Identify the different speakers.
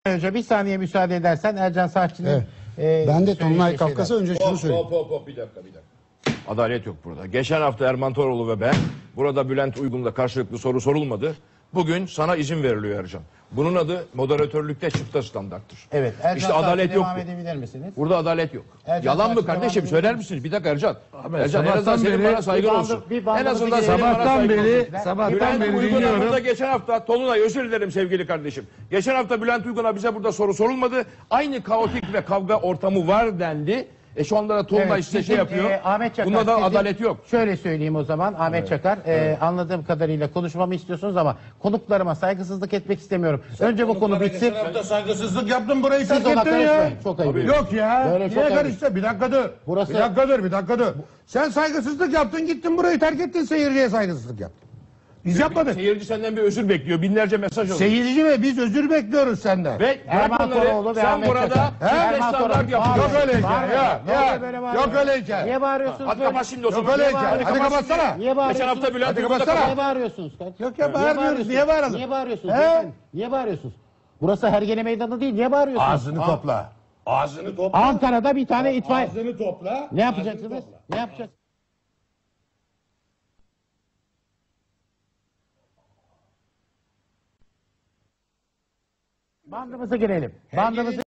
Speaker 1: Hoca bir saniye müsaade edersen Ercan Saatçı'nın
Speaker 2: Ben de Tonlay Kafkas'a önce şunu söyleyeyim.
Speaker 3: Bir dakika. Adalet yok burada. Geçen hafta Erman Toroğlu ve ben burada Bülent Uygun'la karşılıklı soru sorulmadı. Bugün sana izin veriliyor Ercan. Bunun adı moderatörlükte çifte standarttır.
Speaker 1: Evet. Ercan
Speaker 3: İşte adalet yok.
Speaker 1: devam edebilir misiniz?
Speaker 3: Burada adalet yok.
Speaker 1: Ercan
Speaker 3: Yalan mı
Speaker 1: Saatçı
Speaker 3: kardeşim?
Speaker 1: devam
Speaker 3: Söyler
Speaker 1: edebilir
Speaker 3: misiniz? Bir dakika Ercan. Ercan en
Speaker 4: sabahtan
Speaker 3: azından senin
Speaker 4: beri
Speaker 3: bana saygın
Speaker 1: bir bandı-
Speaker 3: olsun.
Speaker 1: bir bandı
Speaker 3: En azından
Speaker 1: bir
Speaker 3: senin bana
Speaker 4: Sabahtan
Speaker 3: saygın
Speaker 4: beri,
Speaker 3: olsun.
Speaker 4: sabahtan
Speaker 3: Bülent
Speaker 4: beri
Speaker 3: Uygun'a
Speaker 4: dinliyorum.
Speaker 3: burada geçen hafta Tolunay özür dilerim sevgili kardeşim. Geçen hafta Bülent Uygun'a bize burada soru sorulmadı. Aynı kaotik ve kavga ortamı var dendi. Şu anda da Tolunay size şey yapıyor.
Speaker 1: Ahmet Çakar,
Speaker 3: Bunda da
Speaker 1: sizin-
Speaker 3: adalet yok.
Speaker 1: Şöyle söyleyeyim o zaman Ahmet Çakar. Anladığım kadarıyla konuşmamı istiyorsunuz ama konuklarıma saygısızlık etmek istemiyorum. Önce bu konu bitsin.
Speaker 5: Geçen hafta saygısızlık yaptın, burayı
Speaker 1: Siz
Speaker 5: terk
Speaker 1: ona
Speaker 5: ettin ya.
Speaker 1: karışmayın. Çok ayıp.
Speaker 5: Yok ya.
Speaker 1: Böyle çok
Speaker 5: Niye
Speaker 1: ayıp.
Speaker 5: karıştı? Bir dakika dur.
Speaker 1: Burası-
Speaker 5: Bir dakika dur. Sen saygısızlık yaptın, gittin burayı terk ettin, seyirciye saygısızlık yaptın. Biz yapmadık.
Speaker 3: Seyirci senden bir özür bekliyor. Binlerce mesaj alıyor.
Speaker 5: Seyirci ve biz özür bekliyoruz senden.
Speaker 3: Ve
Speaker 1: Erman
Speaker 3: bırak bunları,
Speaker 1: Toroğlu ve
Speaker 3: sen
Speaker 1: Ahmet
Speaker 3: burada
Speaker 1: Çakar.
Speaker 3: çifte
Speaker 1: Erman
Speaker 3: standart
Speaker 1: Toroğlu.
Speaker 3: yapıyorsun.
Speaker 5: Yok öyle hikaye.
Speaker 1: Bağırma.
Speaker 5: Ya,
Speaker 1: Ne oluyor böyle bağırma?
Speaker 5: yok öyle hikaye.
Speaker 1: Niye bağırıyorsunuz?
Speaker 3: Hadi
Speaker 1: böyle?
Speaker 3: kapat şimdi o zaman.
Speaker 5: Yok öyle
Speaker 1: Niye
Speaker 5: hikaye. Hadi
Speaker 1: bağırıyorsunuz?
Speaker 5: kapatsana.
Speaker 1: Niye bağırıyorsunuz?
Speaker 3: Geçen hafta Bülent
Speaker 5: Hadi
Speaker 3: Uygun'da
Speaker 5: kapatsana.
Speaker 1: Niye bağırıyorsunuz kardeşim?
Speaker 5: Yok ya, bağırmıyoruz. Niye bağıralım?
Speaker 1: Niye bağırıyorsunuz?
Speaker 5: He?
Speaker 1: beyefendi? Niye bağırıyorsunuz? Burası Hergele Meydanı değil. Niye bağırıyorsunuz?
Speaker 5: Ağzını topla. Ağzını topla.
Speaker 1: Ankara'da bir tane itfaiye.
Speaker 5: Ağzını topla.
Speaker 1: Ne yapacaksınız? Ne yapacaksınız? Bandımıza girelim. Bandımızı